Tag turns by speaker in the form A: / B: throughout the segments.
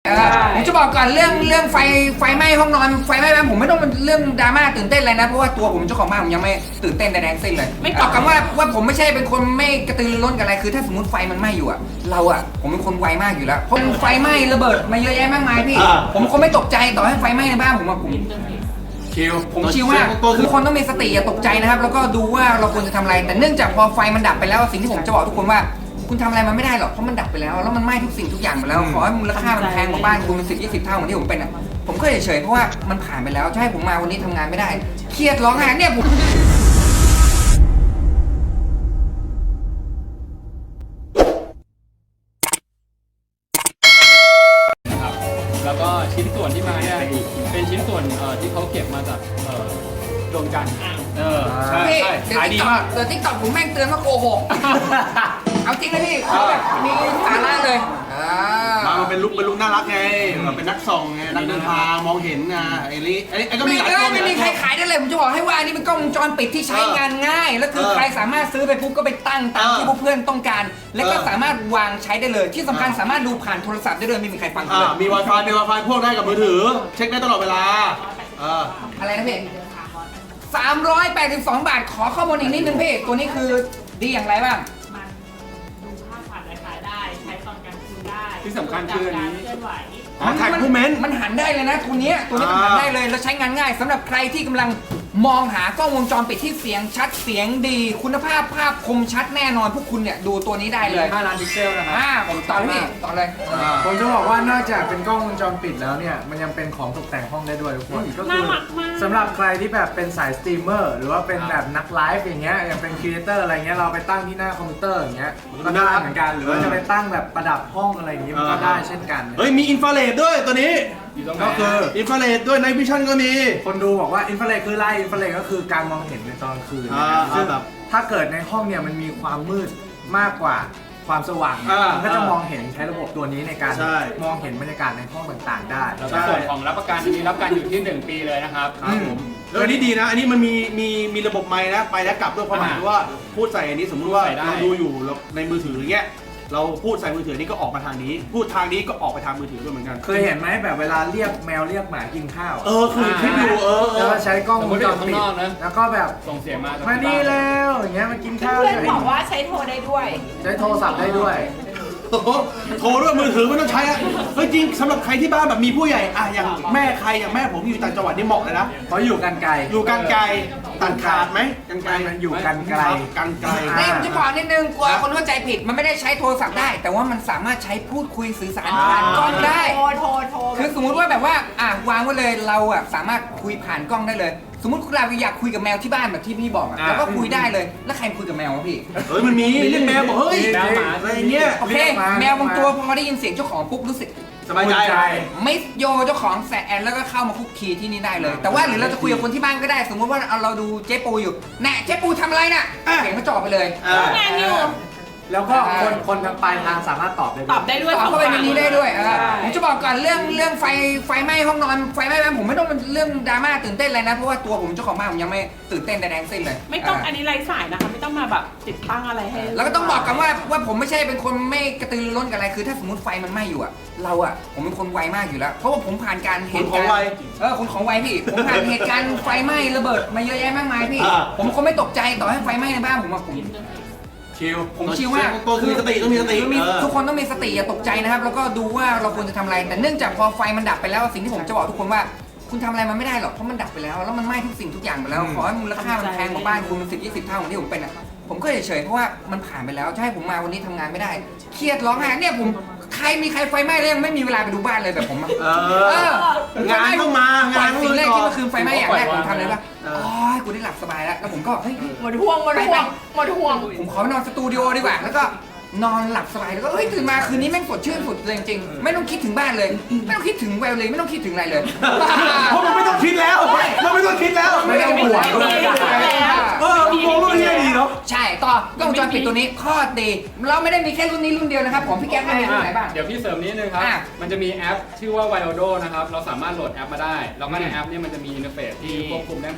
A: ผมจะบอกก่อนเรื่องไฟไหม้ห้องนอนไฟไหม้บ้านผมไม่ต้องเป็นเรื่องดราม่าตื่นเต้นเลยนะเพราะว่าตัวผมเจ้าของบ้านผมยังไม่ตื่นเต้นใดๆสิ้นเลยไม่ตอบกันว่าผมไม่ใช่เป็นคนไม่กระตือรือร้นกับอะไรคือถ้าสมมติไฟมันไหม้อยู่อะผมเป็นคนไวมากอยู่แล้วผมไฟไหม้ระเบิดมาเยอะแยะมากมายพี่ผมคงไม่ตกใจต่อให้ไฟไหม้ในบ้านผมชิลมากคือคนต้องมีสติอย่าตกใจนะครับแล้วก็ดูว่าเราควรจะทำอะไรแต่เนื่องจากพอไฟมันดับไปแล้วสิ่งที่ผมจะบอกทุกคนว่าคุณทำอะไรมันไม่ได้หรอกเพราะมันดับไปแล้วแล้วมันไหม้ทุกสิ่งทุกอย่างไปแล้วขอให้มูลค่ามันแพงกว่าบ้านคุณเป็น10-20 เท่าเหมือนที่ผมเป็นอ่ะผมก็เฉยๆเพราะว่ามันผ่านไปแล้วจะให้ผมมาวันนี้ทำงานไม่ได้เครียดร้องไห้เนี่ยผม
B: แล้วก็ชิ้นส่วนที่มาเนี่ยเป็นชิ้นส่วนที่เขาเก็บมาจากดวงจันทร์ใช่ขายดีมาก
A: เดี๋ยวTikTokผมแม่งเตือนว่าโกหกเอาจริงเลยพี่เขาแบบมีสาระเลย
C: มันเป็นลุคน่ารักไงแบบเป็นนักส่องไงนักเดินทางมองเห็นนะไอ้ก็มีหลายตัว
A: ไม่มีใครขายได้เลยผมจะบอกให้ว่าอันนี้เป็นกล้องวงจรปิดที่ใช้งานง่ายแล้วคือใครสามารถซื้อไปปุ๊บก็ไปตั้งตามที่พวกเพื่อนต้องการแล้วก็สามารถวางใช้ได้เลยที่สำคัญสามารถดูผ่านโทรศัพท์ได้เลยไม่มีใครฟังเลย
C: มี Wi-Fi พ่วงได้กับมือถือเช็คได้ตลอดเวลา
A: อะไรนะพี่382 บาทขอข้อมูลอีกนิดนึงพี่ตัวนี้คือดีอย่างไรบ้าง
D: มันดูภาพผ่านไวไฟได้ใช้ตอนกลางคืนได้
B: ที่สำคัญคืออันนี้
D: เคลื่อนไหว
C: ถ่ายรูปเมนต์
A: มันหันได้เลยนะตัวนี้มันหันได้เลยแล้วใช้งานง่ายสำหรับใครที่กำลังมองหากล้องวงจรปิดที่เสียงชัดเสียงดีคุณภาพภาพคมชัดแน่นอนพวกคุณเนี่ยดูตัวนี้ได้เลย
B: 5 ล้านพิกเซลนะครับ
A: ผมต่อเลยพี่ต่อเลย
E: ผมจะบอกว่านอกจากเป็นกล้องวงจรปิดแล้วเนี่ยมันยังเป็นของตกแต่งห้องได้ด้วยทุกคนก็คือสำหรับใครที่แบบเป็นสายสตรีมเมอร์หรือว่าเป็นแบบนักไลฟ์อย่างเงี้ยอย่างเป็นครีเอเตอร์อะไรเงี้ยเราไปตั้งที่หน้าคอมพิวเตอร์อย่างเงี้ยก็ได้เหมือนกันหรือว่าจะไปตั้งแบบประดับห้องอะไรอย่างงี้มันก็ได้เช่นกัน
C: มีอินฟราเรดด้วยตัวนี้ก็คืออินฟราเรดด้วยไนท์วิชั่นก็มี
E: คนดูบอกว่าอินฟราเรดคืออะไรอินฟราเรดก็คือการมองเห็นในตอนกลางคืนซึ่งถ้าเกิดในห้องเนี่ยมันมีความมืดมากกว่าความสว่างมันก็จะมองเห็นใช้ระบบตัวนี้ในการมองเห็นบรรยากาศในห้องต่างๆได้
B: แล้วก็ส่วนของรับประกันมีรับการอยู่ที่1 ปีเลยนะครับ
C: แล้วอันนี้ดีนะอันนี้มันมีระบบไมค์นะไปแล้วกลับด้วยความหมายว่าพูดใส่อันนี้สมมติว่าเราดูอยู่ในมือถืออย่างเงี้ยเราพูดใส่มือถือนี่ก็ออกมาทางนี้พูดทางนี้ก็ออกไปทางมือถือด้วยเหมือนกัน
E: เคยเห็นไหมแบบเวลาเรียกแมวเรียกหมากินข้าว
C: คือคิดอยู่
E: แล้วใช้กล้องวงจรปิดแล้วก็แบบ
B: ส่งเสียงมา
E: นี่แล้วอย่างเงี้ยมากินข้าว
D: เพื่อนบอกว่าใช้โทรได้ด้วย
E: ใช้โทรศัพท์ได้ด้วย
C: โทรด้วยมือถือไม่ต้องใช้อะเฮ้ยจริงสำหรับใครที่บ้านแบบมีผู้ใหญ่อย่างแม่ใครอย่างแม่ผมอยู่ต่างจังหวัดนี่เหมาะเลยนะ
E: เพราะอยู่กันไกล
C: ตัดขาดไหมกันไกล
E: มันอยู่กันไกล
A: นี่ผมจะบอกนิดนึงกลัวคนเข้าใจผิดมันไม่ได้ใช้โทรศัพท์ได้แต่ว่ามันสามารถใช้พูดคุยสื่อสารผ่านกล้องได้
D: โทร
A: คือสมมุติว่าแบบว่าวางไว้เลยเราสามารถคุยผ่านกล้องได้เลยสมมติเราอยากคุยกับแมวที่บ้านแบบที่พี่บอกแล้วก็คุยได้เลยแล้วใครคุยกับแมววะพี่
C: มันมีเรียกแมวบอกเฮ้ย
B: แมวหมา
C: อะไรเงี้ย
A: โอเคแมวบางตัวพอได้ยินเสียงเจ้าของปุ๊บรู้สึก
C: สบายใจ
A: ไม่โยเจ้าของแสนแล้วก็เข้ามาคุกคีที่นี่ได้เลยแต่ว่าหรือเราจะคุยกับคนที่บ้านก็ได้สมมติว่าเราดูเจ๊ปูอยู่แน่เจ๊ปูทำอะไรน่ะเสียงก็จ่อไปเลย
D: งานอยู่
E: แล้วก็คนทางปลายทางสามารถตอบได้
D: ด้วย
A: ตอบเข้าไปในนี้ได้ด้วยผมจะบอกก่อนเรื่องไฟไหม้ห้องนอนไฟไหม้บ้านผมไม่ต้องเป็นเรื่องดราม่าตื่นเต้นเลยนะเพราะว่าตัวผมเจ้าของบ้านผมยังไม่ตื่นเต้นใดๆสิ้นเลย
D: ไม่ต้องอันนี้ไร้สายนะคะไม่ต้องมาแบบติดตั้งอะไรให้
A: แล้วก็ต้องบอกกันว่าผมไม่ใช่เป็นคนไม่กระตือรือร้นกับอะไรคือถ้าสมมติไฟมันไหม้อยู่ผมเป็นคนไวมากอยู่แล้วเพราะว่าผมผ่านการเหตุการณ์คนของไวพี่ผมผ่านเหตุการณ์ไฟไหม้ระเบิดมาเยอะแยะมากมายพี่ผมคงไม่ตกใจต่อให้ไฟไหม้ในบ้านผมผมชิลมาก
C: ต้องมีสติ
A: ทุกคนต้องมีสติอย่าตกใจนะครับแล้วก็ดูว่าเราควรจะทำอะไรแต่เนื่องจากพอไฟมันดับไปแล้วสิ่งที่ผมจะบอกทุกคนว่าคุณทำอะไรมันไม่ได้หรอกเพราะมันดับไปแล้วแล้วมันไหม้ทุกสิ่งทุกอย่างไปแล้วขอให้มูลค่ามันแพงกว่าบ้านคุณเป็น10-20 เท่าเหมือนที่ผมเป็นผมก็เฉยๆเพราะว่ามันผ่านไปแล้วจะให้ผมมาวันนี้ทำงานไม่ได้เครียดร้องไห้เนี่ยผมมีใครไฟไหม้แล้วยังไม่มีเวลาไปดูบ้านเลยแบบผม
C: งานต้องมางาน
A: สิ่งแรกที่เมื่อคืนไฟไหม้อย่างแรกผมทำเลยว่ากูได้หลับสบายแล้วผมก็เฮ้ย
D: หมดห่วง
A: ผมขอไปนอนสตูดิโอดีกว่าแล้วก็นอนหลับสบายแล้วก็เฮ้ยตื่นมาคืนนี้แม่งสดชื่นสุดเลยจริงๆไม่ต้องคิดถึงบ้านเลยไม่ต้องคิดถึงแววเลยไม่ต้องคิดถึงอะไรเลย
C: เพราะมันไม่ต้องคิดแล้วเราไม่ต้องคิดแล้ว
E: ไม่ต้องห่วง
C: มองรุ่นนี้ดีเนาะ
A: ใช่ต่อกล้องวงจรปิดตัวนี้ข้อดีเราไม่ได้มีแค่รุ่นนี้รุ่นเดียวนะครับผมพี่แก๊ปมีรุ่นไหนบ้าง
B: เดี๋ยวพี่เสริมนิดนึงครับมันจะมีแอปชื่อว่า Viodo นะครับเราสามารถโหลดแอปมาได้แล้วก็ในแอปนี้มันจะมีอินเทอร์เฟซที่ควบคุมได้หมด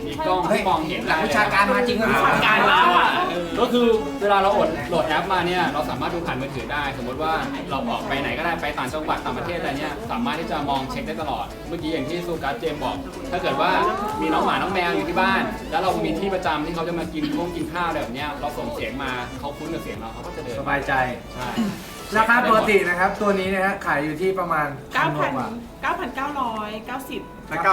B: มีกล้อง
A: เฮ้ย
B: ที่มองเห็น
A: หลักวิชาการมาจริงเลย
D: วิชาการแล้วอ่ะ
B: ก็คือเวลาเราโหลดแอปมาเนี่ยเราสามารถดูผ่านมือถือได้ สมมติว่าเราออกไปไหนก็ได้ไปต่างจังหวัดต่างประเทศอะไรเนี่ยสามารถที่จะมองเช็คได้ตลอด เมื่อกี้อย่างที่ซูกัสเจมบอก ถ้าเกิดว่ามีน้องหมาน้องแมวอยู่ที่บ้าน แล้วเรามีที่ประจำที่เขาจะมากินข้าวอะไรแบบเนี้ยเราส่งเสียงมาเขาคุ้นกับเสียงเราเขาก็จะเดิน
E: สบายใจ
B: ใช่
E: ราคาปกตินะครับ ตัวนี้นะฮะขายอยู่ที่ประมาณ1,000 กว่า
D: 9,990
C: และ999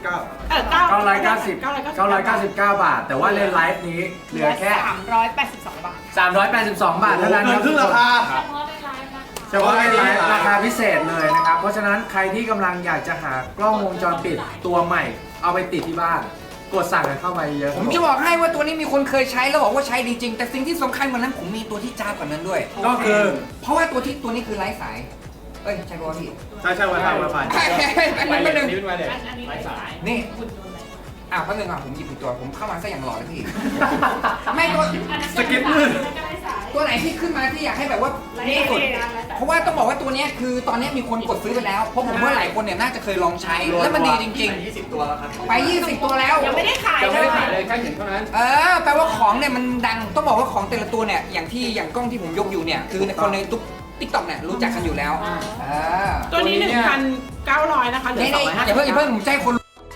E: 999 บาท แต่ว่าเลนไลฟ์นี้เหลือแค่
D: 382 บาท
E: 382 บาทเท่านั้น
C: เกิ
E: คน รับ
C: ครึ่งราคา
D: เฉพาะในไลฟ์นะคะ
E: เฉพาะในไลฟ์ราคาพิเศษเลยนะครับ เพราะฉะนั้นใครที่กำลังอยากจะหากล้องวงจรปิดตัวใหม่ เอาไปติดที่บ้าน กดสั่งกันเข้ามาเยอะ
A: ผมจะบอกให้ว่าตัวนี้มีคนเคยใช้แล้วบอกว่าใช้ดีจริง แต่สิ่งที่สำคัญกว่านั้นผมมีตัวที่จ้ากว่านั้นด้วย
E: ก็คือ
A: เพราะว่าตัวนี้คือไร้สาย เอ้ยใช่ป่ะพี่
C: ใช่ใช่ Wi-Fi Wi-Fi
A: อันนี้เป็นหนึ่ง
B: นี่เป็นไวเลส
D: อันนี้
B: ไร้สาย
A: นี่
D: คุณโดนอะไร
A: อ้าวแป๊บนึงอ่ะผมหยิบผิดตัวผมเข้ามาซะอย่างหล่อเลยพี่ ไม่ตัว
C: สกิปลื่น
A: ตัวไหนที่ขึ้นมาที่อยากให้แบบว่านี่สุด เพราะว่าต้องบอกว่าตัวเนี้ยคือตอนเนี้ยมีคนกดซื้อไปแล้ว เพราะผมว่าหลายคนเนี่ยน่าจะเคยลองใช้ แล้วมันดีจริง
C: 20 ตัวแล้วครับ
A: ๆ ไป 20 ตัวแล้ว
D: ยังไม่ได้ขาย
B: จะ
D: เล
B: ไม่ได้
D: ย
B: ขายเลยแค่เห็นเท่านั้น
A: แปลว่าของเนี่ยมันดัง ต้องบอกว่าของแต่ละตัวเนี่ยอย่างกล้องที่ผมยกอยู่เนี่ยคือคนในติ๊กต็อกเนี่ยรู้จักกันอยู่แล้วอ
D: ตัวนี้ 1,900 นะคะเหลือ
A: นี่อย่าเพิ่งผมใจคน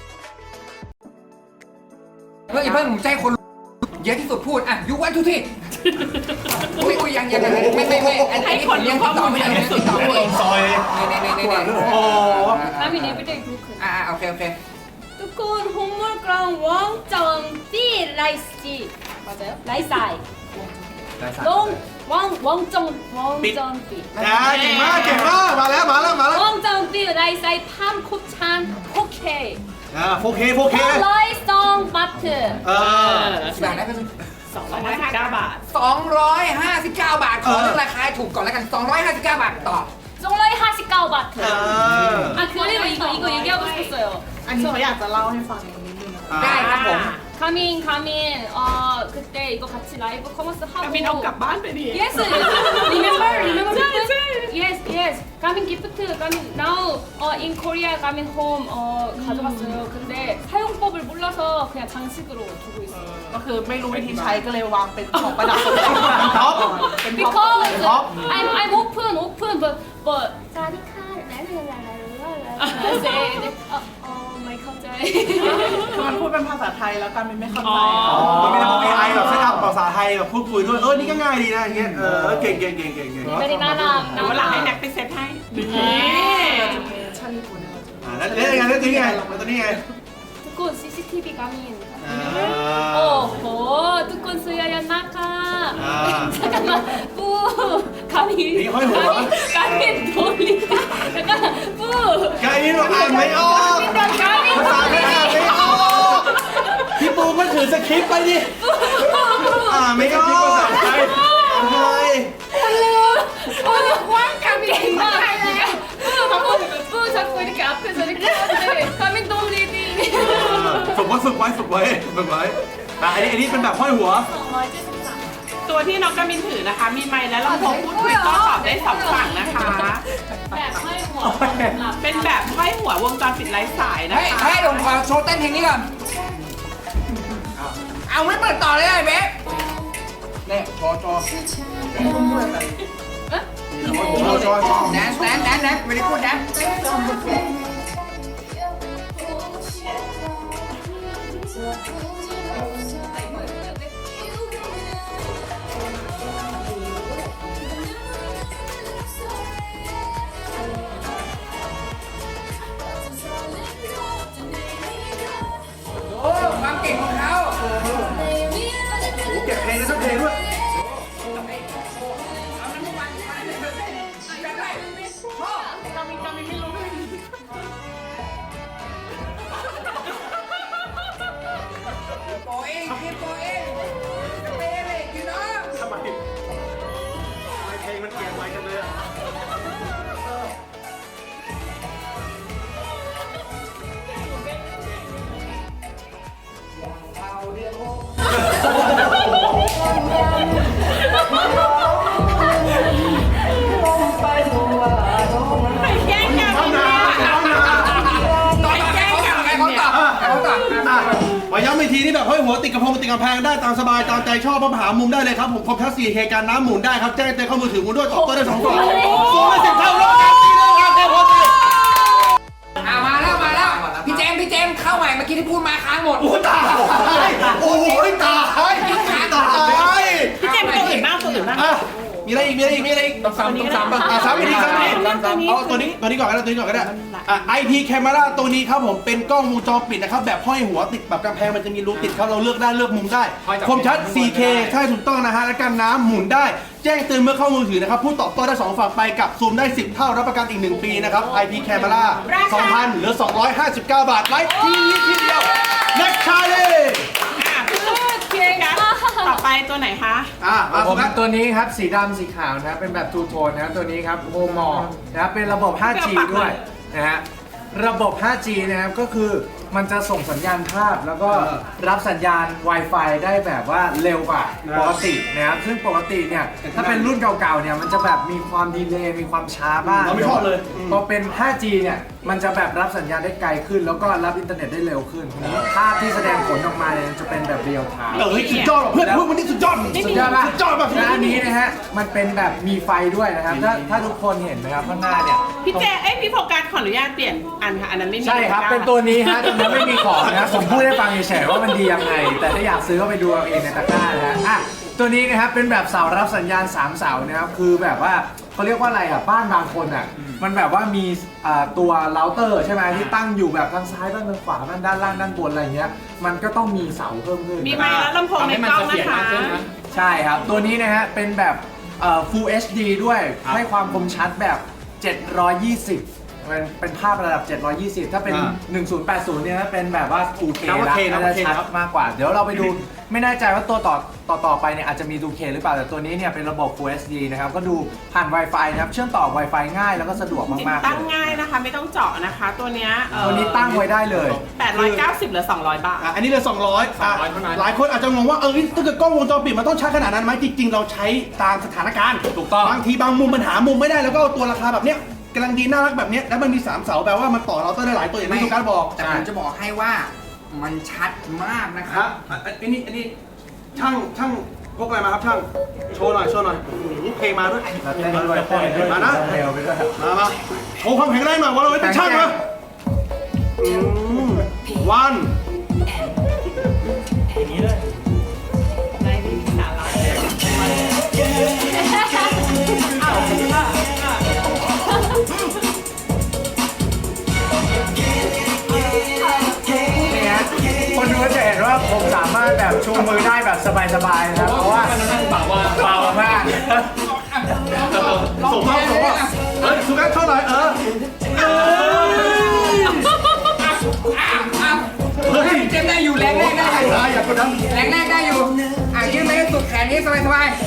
A: อย่าเพิ่งผมใจคนเยอะที่สุดพูดอ่ะยุวันทุกทีอุ้ยยังไม่อันนี้ผมยังติดต่อไม่ได้ติดต่อไม่ได้
C: ซอย
A: นี่
C: โอ้
F: I'm in everyday group.
A: โอเค
F: 두꺼운 홈물그랑 왕점비 라이스지 맞아요? 라이사이 왕점비
C: เก่งมากเก่งมากมาแล้ว
F: 왕점비 라이사이 팜 곱찬 포케
C: 4K
F: 라이성 마트
A: บาทได้เป็น
D: 259 บาท
A: 259 บาทขอเรื่องราคาถูกก่อนแล้วกัน259 บาทต่อ
F: 정라이 하시까우 마트
C: เออ
F: 아 그리고 이거 얘기하고 싶었어요
D: อันนี้เขาอยากจะเล่าให้ฟังนิดนึง
A: ได้ครับผม
F: 가민 그때 이거 같이 라이브 커머스
D: กา
F: 하고
D: มินเอากลับบ้านไปดิ
F: Yes, remember
D: Yes,
F: gift? Yes. 가민 기프트, 가민 now in Korea 가민 home 가져갔어요. 근데 사용법을 몰라서 그냥 장식으로 두고 있어요.
D: ก็คือไม่รู้วิธีใช้ก็เลยวางเป็นของประดับ
C: ท็อป
F: Because
C: Top.
F: I'm open, but 짜리카, my 갑자기.
D: คือมันพูดเป็นภาษาไทยแล้วกามินไม่เข้าใจ
C: มันไม่ได้พวก AI แบบใช้ทำภาษาไทยแบบพูดคุยด้วยนี่ก็ง่ายดีนะอย่างเงี้ยเก่ง
F: Very 나나.
D: เดี๋ยววันหลังให้แน็กไปเซตให้นี่
C: แล้วตัวนี้ไง
F: 두꺼운 CCTV 가민. 오호, 두꺼운 수야야 나카. 잠깐만, 뿌, 가민.
C: 이게 허리 뭐야?
F: 가민 돌리. 잠깐, 뿌.
C: ไกนี่เราอ่านไม่ออกภาษาไม่อ่านไม่ออกพี่ปูก็ถือสคริปต์ไปดิอ่านไม่ออกทำไม
F: 가민 나. 뿌 자꾸 이렇게 앞에서 이렇게 하는데 가민 돌리디.
C: ฝึกไว้อันนี้เป็นแบบห้อยหัว
D: ตัวที่น้องกามินถือนะคะ มีไมค์และลำโพงพูดคุยก็ตอบได้สองฝั่งนะคะ
F: แบบห้อยหัว
D: เป็นแบบห้อยหัววงจรปิดไร้สายนะ
A: เฮ้ย
D: คะ
A: ให้ผมขอโชว์เต้นเพลงนี้ก่อนเอาไม่เปิดต่อเลยไอ้เบ๊เนี่ยโชว์แดนไม่ได้พูดแดนโอ้ความเก่งของเขา
C: เก็บเพลงได้ทั้งเพลงด้วย
A: โปเองจะเปย์เลยกินเนาะ
C: ทำไมเพลงมันเกี่ยวไว้กันเลยมาย้ำอีกทีทีนี่แบบห้อยหัวติดกระพงติดกำแพงได้ตามสบายตามใจชอบมาหามุมได้เลยครับผมคอมทัช 4K การน้ำหมุนได้ครับแจ้งเตือนเข้ามือถือหมุนด้วยตอบโต้ได้2ฝั่งสูงได้10 เท่าแล้วการตีเลยครับเจ้าพ่อตี
A: มาแล้วพี่เจมส์เข้าใหม่เมื่อกี้ที่พูดมาค้างหมด
C: โอ้ตายโอ้โหตายตาย
D: พี่เจมส์ตัวอื่นบ้างตัวอื่นบ้าง
C: มีอะไรอีก
B: ต้องซ้ำบ้าง
C: ซ้ำอีกทีเอาตัวนี้ก่อนก็ได้IP Camera ตัวนี้ครับผมเป็นกล้องวงจรปิดนะครับแบบห้อยหัวติดแบบกำแพงมันจะมีรูติดครับเราเลือกได้เลือกมุมได้คมชัด 4K ใช่ถูกต้องนะฮะและกันน้ำหมุนได้แจ้งเตือนเมื่อเข้ามือถือนะครับพูดตอบโต้ได้2ฝั่งไปกับซูมได้10 เท่ารับประกันอีก1 ปีนะครับ IP Camera 2,000เหลือ259 บาทไลฟ์ทีเดียว Next Challenge
D: ต่อไปตัวไหนคะ
C: มา
E: ผม
C: ครับ
E: ตัวนี้ครับสีดำสีขาวนะครับเป็นแบบทูโทนนะครับตัวนี้ครับโฮมอนะครับเป็นระบบ 5G ด้วยนะฮะระบบ 5G นะครับก็คือมันจะส่งสัญญาณภาพแล้วก็รับสัญญาณ Wi-Fi ได้แบบว่าเร็วกว่าปกตินะครับซึ่งปกติเนี่ยถ้าเป็นรุ่นเก่าๆเนี่ยมันจะแบบมีความดีเลย์มีความช้าบ้าง
C: เราไม่ชอบเลย
E: พอเป็น 5G เนี่ยมันจะแบบรับสัญญาณได้ไกลขึ้น แล้วก็รับอินเทอร์เน็ตได้เร็วขึ้นภาพที่แสดงผลออกมาเนี่ยจะเป็นแบบเรียลไทม์
C: สุดยอดเพื่อนวันนี้สุดยอด
E: สุดยอดป่ะ
C: สุดยอดแบบ
E: และอันนี้นะฮะ มันเป็นแบบมีไฟด้วยนะครับ ถ้าทุกคนเห็นนะครับข้างหน้าเนี่ย
D: พี่โฟกัสขออนุญาตเปลี่ยนอันค่ะ อันนั้นไม่มี
E: ใช่ครับ เป็นตัวนี้ฮะตัวนี้ไม่มีของนะผมพูดให้ฟังเฉยๆว่ามันดียังไง แต่ถ้าอยากซื้อก็ไปดูเอาเองในตะกร้านะฮะอ่ะตัวนี้นะครับเป็นแบบเสารับสัญญาณ3 เสานะครับ คือแบบว่าเขาเรียกว่าอะไรอ่ะ บ้านบางคนอ่ะ มันแบบว่ามีตัวเราเตอร์ใช่ไหมที่ตั้งอยู่แบบทางซ้ายบ้างทางขวาบ้างด้านล่างด้านบนอะไรเงี้ย มันก็ต้องมีเสาเพิ่มขึ้น
D: มีไมค์และลำโพงในกล้องนะคะ
E: ใช่ครับ ตัวนี้นะฮะ เป็นแบบFull HD ด้วย ให้ความคมชัดแบบ 720 เป็นภาพระดับ 720 ถ้าเป็น 1080 เนี่ยเป็นแบบว่า 2K แล้วจะชัดมากกว่า เดี๋ยวเราไปดู ไม่แน่ใจว่าตัวต่อไปเนี่ยอาจจะมี 2K หรือเปล่า แต่ตัวนี้เนี่ยเป็นระบบ Full HD นะครับ ก็ดูผ่าน Wi-Fi นะครับ เชื่อมต่อ Wi-Fi ง่ายแล้วก็สะดวก
D: ติด
E: มากๆ
D: ตั้ง
E: เลย
D: ง่ายนะคะ ไม่ต้องเจาะนะคะ ตัวเนี้ย
E: ตัวนี้ตั้งไว้ได้เลย
D: 890หรือ200 บาท
C: อันนี้เลย200หลายคนอาจจะงงว่าถ้าเกิดกล้องวงจรปิดมันต้องใช้ขนาดนั้นไหมจริงๆเราใช้ตามสถานการณ์
B: ถูกต้อง
C: บางทีบางมุมมันหามุมไม่ได้แล้วก็เอาตัวราคาแบบเนี้ยกำลังดีน่ารักแบบเนี้ยแล้วมันมี3 เสาแปลว่ามันต่อเราต้องได้หลายตัวอย่างที่ทุกการบอก
A: แต่ผมจะบอกให้ว่ามันชัดมากนะค
C: ค
A: รั
C: รับ บอันนี้ช่างพกอะไรมาครับช่างโชว์หน่อยเพลงมาด้วย
E: แล้วเต้นด้วยเต้นด้วย
C: มานะ
E: เร็วไปด้วย
C: มาโชว์ความแข็งแรงหน่อยว่าเราเป็นช่างนะวัน
E: นี่ฮะคนดูก็จะเห็นว่าผมสามารถแบบชูมือได้แบบสบายๆนะครับ เพราะว่าเบามาก
C: ส่งมาสุกัสเท่าไหร่เฮ้ย
A: เจมส์ได้อยู่แรงแรกได้อยู่
C: อย่ากดดัน
A: แรงแรกได้อยู่ยืดไปให้สุดแขนนี้สบาย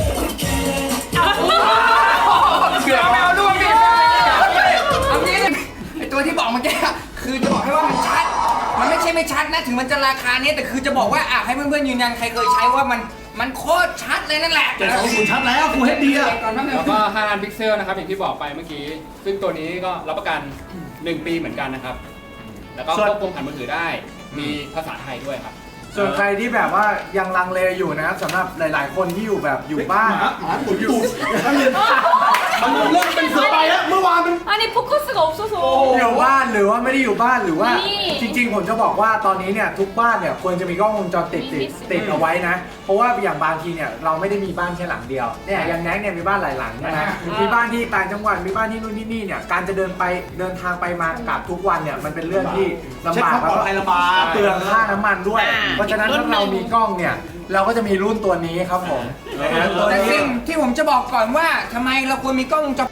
A: เกือบไม่เอาด้วยพี่เอางี้เลยไอตัวที่บอกเมื่อกี้คือจะบอกให้ว่ามันชัด มันไม่ใช่ไม่ชัดนะถึงมันจะราคานี้แต่คือจะบอกว่าให้เพื่อนๆยืนยันใครเคยใช้ว่ามันโคตรชัดเลยนั่นแหละ
C: 720ชัดแล้วฟูเฮดดีอะ
A: ก่อนแป๊บนึง
B: แล้วก็5ล้านพิกเซลนะครับอย่างที่บอกไปเมื่อกี้ ซึ่งตัวนี้ก็รับประกัน 1 ปีเหมือนกันนะครับ แล้วก็ควบคุมผ่านมือถือได้ มีภาษาไทยด้วยครับ
E: ส่วนใครที่แบบว่ายังลังเลอยู่นะครับสำหรับหลายๆ คนที่อยู่แบบอยู่บ้าน
C: หมาปุ๋ยอยู่มันเริ่มเป็นเสือใบแล้วเมื่อวานมัน
F: 아니 포커스가 없어서
E: อยู่บ้านหรือว่าไม่ได้อยู่บ้านหรือว่า
F: นี่
E: จริงๆ ผมจะบอกว่าตอนนี้เนี่ยทุกบ้านเนี่ยควรจะมีกล้องวงจรปิดติดเอาไว้นะ เพราะว่าอย่างบางทีเนี่ยเราไม่ได้มีบ้านแค่หลังเดียวเนี่ยอย่างแน็กเนี่ยมีบ้านหลายหลังนะมีบ้านที่ต่างจังหวัดมีบ้านที่นู่นที่นี่เนี่ยการจะเดินทางไปมากลับทุกวันเนี่ยมันเป็นเรื่องที่ลำบาก
C: เช็คความปลอดภัยลำบาก
E: เปลืองค่าน้ำมันด้วย เพราะฉะนั้นถ้าเรามีกล้องเนี่ยเราก็จะมีรุ่นตัวนี้ครับผมนะฮะตัว
A: แต่
E: นี้
A: สิ่งที่ผมจะบอกก่อนว่าทำไมเราควรมีกล้องวงจร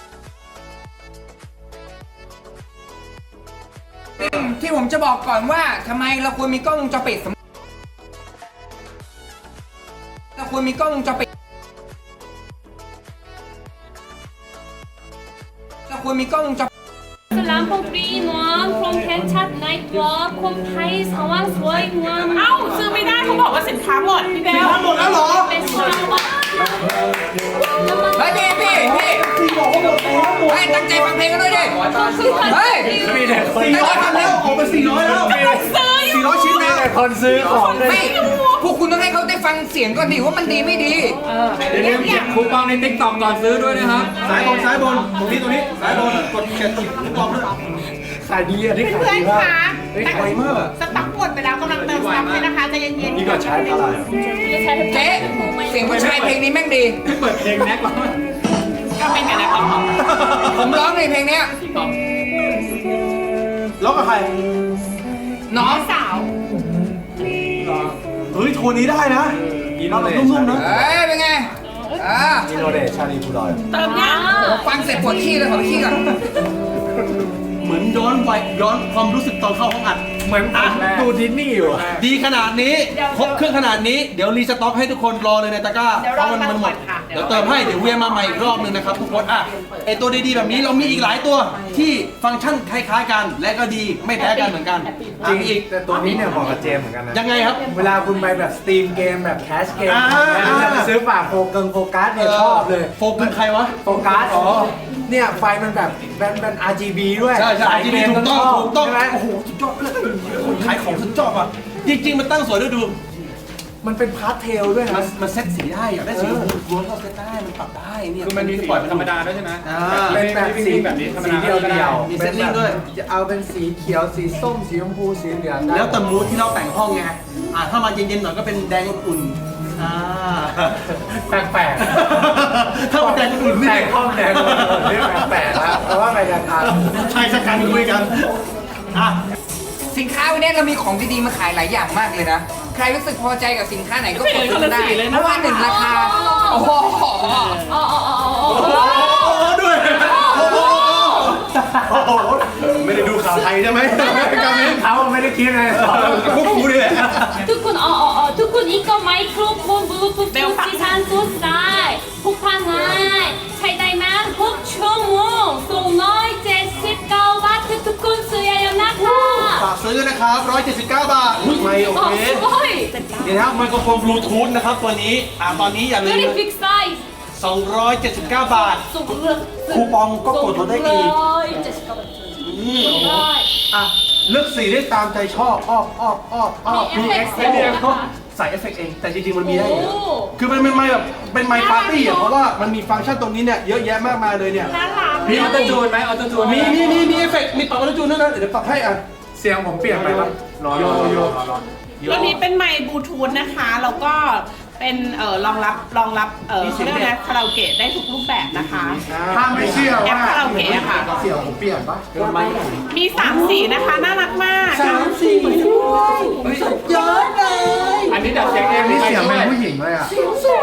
A: สิ่งที่ผมจะบอกก่อนว่าทำไมเราควรมีกล้องวงจรปิดเราควรมีกล้องวงจรปิดเราควรมีกล้องวงจร
F: 람퐁 3-in-1 from Tenchat Nightwalk 콤 타이 상황 스와이
D: เอ้า
F: 무함
D: ซื้อไม่ได้เขาบอกว่าสินค้าหมดพี่เบล
C: หมดแล้วเหรอ
F: 베스트 상황
A: เฮ้ยพี่เฮ้ยตั้งใจฟังเพลงกันด้วยดิเฮ้ย
E: มีแต่คน
C: 400แล้วออกไป400แล้ว400ชิ้นแล้ว
E: คนซื้อของเลย
A: ไม่พวกคุณต้องให้เขาได้ฟังเสียงก่อนดิว่ามันดีไม่ดี
B: อย่าลืมเก็บคูปองใน TikTok ก่อนซื้อด้วยนะครับ
C: ซ้ายบนตรงนี้ซ้ายบนกดเขียนติดกล่องด้วย
E: ขายดีอ่ะที่ขาย
D: เพื่อน
E: ดี
D: ๆ
E: มาก
D: คะ
E: เฮ้ยขายมากอะ
D: สต็อกหมดไปแล้วกำลังเติมสต็อกเลยนะคะใจเย็นๆ
E: นี่ก็ใช้อะไร
A: เจ๊เสียงผู้ชายเพลงนี้แม่งดี
B: ไม่เปิดเพลงแน็กหรอ
D: ก็เป็นกันนะครับ
A: ผมร้องในเพลงเนี้ย
C: แล้วกับใคร
A: น้อง
D: สาว
C: เฮ้ยโทนนี้ได้นะ
E: อินโน
C: เรา
E: เด
C: แบบ
E: ช
C: นุ่มๆนะ
A: เอ้ยเป็นไงอ่า
E: อินโนเดชชาลีพูดอย
D: เติมยัง
A: ฟังเสร็จปวดขี้เลยขอไปขี้ก่อน
C: เหมือนย้อนความรู้สึกตอนเข้าห้องอัด
E: เหมือนดูดิสนีย์อยู่อะ
C: ดีขนาดนี้ครบเครื่องขนาดนี้เดี๋ยวรีสต็อกให้ทุกคนรอเลยในตะกร้าเพราะมันหมดเดี๋ยวเติมให้เดี๋ยวเวียนมาใหม่อีกรอบนึงนะครับทุกคนอ่ะไอตัวดีๆแบบนี้เรามีอีกหลายตัวที่ฟังก์ชันคล้ายๆกัน และก็ดีไม่แพ้กันเหมือนกันจริงอีก
E: แต่ตัวนี้เนี่ยบอกกับเจมส์เหมือนกันนะ
C: ยังไงครับ
E: เวลาคุณไปแบบสตรีมเกมแบบแคชเกม
C: อ่า
E: แล้วจะซื้อฝากโฟกัสเนี่ยชอบเลย
C: โฟกัสใครวะ
E: โฟกัสอ๋อเนี่ยไฟมันแบบเป็น RGB ด้วย
C: ใช่ใช่
E: สาย
C: ที่
E: เก
C: นี่
E: ม
C: ถูกต้อง
E: ชบ
C: ถูกต้อง
E: ใช่ไหม
C: โอ้โหสุดยอดเลยคนขายของสุดยอดอ่ะจริงๆมันตั้งสวยด้วยดู
E: มันเป็นพาสเทลด้วย
C: มัน
E: นะ
C: มันเซ็ตสีได้อยากได้สีล้วนก็เซ็ตได้มันปรับได้เนี่ย
B: คือมันมีปล่อยเป็นธรรมดาด้วยใช่ไหม
E: เป็นแบบสี
B: แบบนี้ธรรม
E: สี
B: ดา
E: เดียวเดียว
C: มีเซตติ้งด้วย
E: จะเอาเป็นสีเขียวสีส้มสีชมพูสีเหลืองได้
C: แล้วแต่มูดที่เราแต่งห้องไงถ้ามาเย็นๆหน่อยก็เป็นแดงอุ่น
E: แปลก
C: ถ้ามันแดงอุ่น
E: ๆ
C: นี่
E: แต่งห้องแดงเรื่องแปลกๆแล้วเพราะว่าไปกันทาง
C: ชายชะกันคุยกันอ่ะ
A: สินค้าวันนี้เรามีของดีๆมาขายหลายอย่างมากเลยนะ ใครรู้สึกพอใจกับสินค้าไหนก็กดซื้อได้เพราะว่าหนึ่งราคาโอ้โห
C: ด้วยไม่ได้ดูข่าวไทยใช่ไหมกามิน
E: เขาไม่ได้คิดเลยสอน
C: พวกกูนี่แหละ
F: ทุกคนทุกคน이거 마이크로폰 블루투스 시산 소스다 폭탄할ใช้ได้นาน6ชั่วโมง279 บาททุกคนซื้อเยอะๆนะคะ
C: ฝากซื้อนะครับ179 บาทไม่โอเค
F: すごい
C: นี่นะครับไมโครโฟนบลูทูธนะครับตัวนี้ตอนนี้อย่าลืม
F: very big size
C: 279 บาท คูปองก็กดลดได้อีก เลือกสีได้ตามใจชอบมีเอฟเฟกต์ใส่เอฟเฟกต์เอง แต่จริงๆมันมีได้อยู่แล้วคือมันเป็นไมค์แบบเป็นไมค์ปาร์ตี้อ่ะเพราะว่ามันมีฟังก์ชันตรงนี้เนี่ยเยอะแยะมากมายเลยเนี่ย
D: น่ารัก
B: มีออโต้จูนไหมออโต้จูน
C: มีเอฟเฟกต์มีปรับออโต้จูนด้วยนะเดี๋ยวปรับให้อ่ะ
E: เสียงผมเปลี่ยนไปปะรอ
D: ตัวนี้เป็นไมค์บลูทูธนะคะ แล้วก็เป็นรองรับเขาเรียกว่าอะไรคาราโอเกะได้ทุกรูปแบบนะคะ
E: ถ้าไม่เชื่อ
D: แอป
E: ว่า
D: คาราโอเกะอะค่ะ
E: เสียงผมเปลี่ยนปะ
D: มี 3 สีนะคะ น่ารักมาก
C: สีด้วยเยอะเลย
B: อันนี้ดัดเสียงเอง
E: นี่
B: ใคร
E: เสียง
B: ช่
E: เป็
B: วน ย
E: ผู้หญิงเลยอ่ะ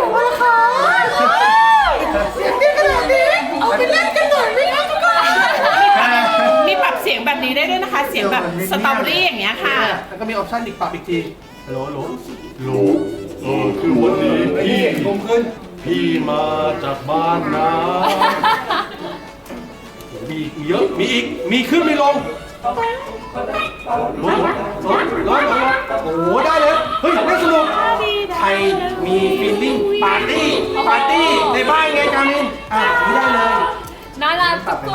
D: มีปรับเสียงแบบนี้ได้ด้วยนะคะ เสียงแบบสตรอเบอรี่อย่างเงี้ยค่ะ
C: แล้วก็มีออปชั่นอีกปรับอีกทีโหลคือวันนี้พี่คมขึ้นพี่มาจากบ้านนะมีเยอะมีอีกมีขึ้นมีลงลงโอ้โหได้เลยเฮ้ยไม่สนุกใครมีฟีลลิ่งปาร์ตี้ในบ้านไงกามินนี่ได้เลย
F: 나라 뚜꾸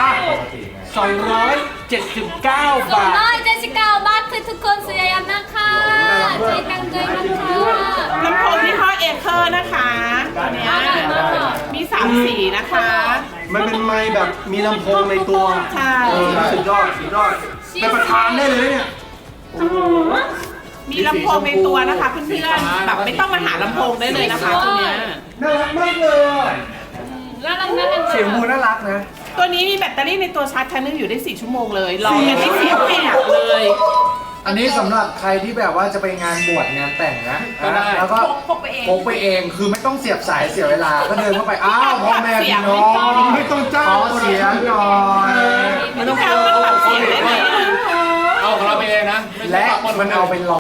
C: 279 บาท
F: 279 บาททุกคนซื้อเยอะๆนะคะใช้ตังค์ด้วยนะคะ
D: ลำโพงยี่ห้อเอเคอร์นะคะตัวเนี้ยมี 3 สีนะคะ
C: มันเป็นไมค์แบบมีลำโพงในตัว
D: ใช่
C: สุดยอดเป็นประธานได้เลยเนี่ย
D: มีลำโพงในตัวนะคะเพื่อนๆแบบไม่ต้องมาหาลำโพงได้เลยนะคะตัวเนี้ย
C: น่ารักมากเลยอ่ะ
F: 나랑
E: เสียงบูน่ารักนะ
D: ตัวนี้มีแบตเตอรี่ในตัวชาร์จครั้งนึงอยู่ได้ 4 ชั่วโมงเลยลองกันที่เสียงแหบเลย
E: อันนี้สำหรับใครที่แบบว่าจะไปงานบวชงานแต่งนะแล้วก็
D: พกไปเอง
E: พกไปเองคือไม่ต้องเสียบสายเสียเวลาก็เดินเข้าไปอ้าวพ่อแม่พี่น้อง
C: ไม่ต้องจ้าง
E: ขอเสียงหน่อย
D: ไม่ต้องการมันปรับเสียงได้เลย
B: เอาของเราไปเองนะไม่ใช่
E: และ
B: ปรับหด
E: มันเอาไปล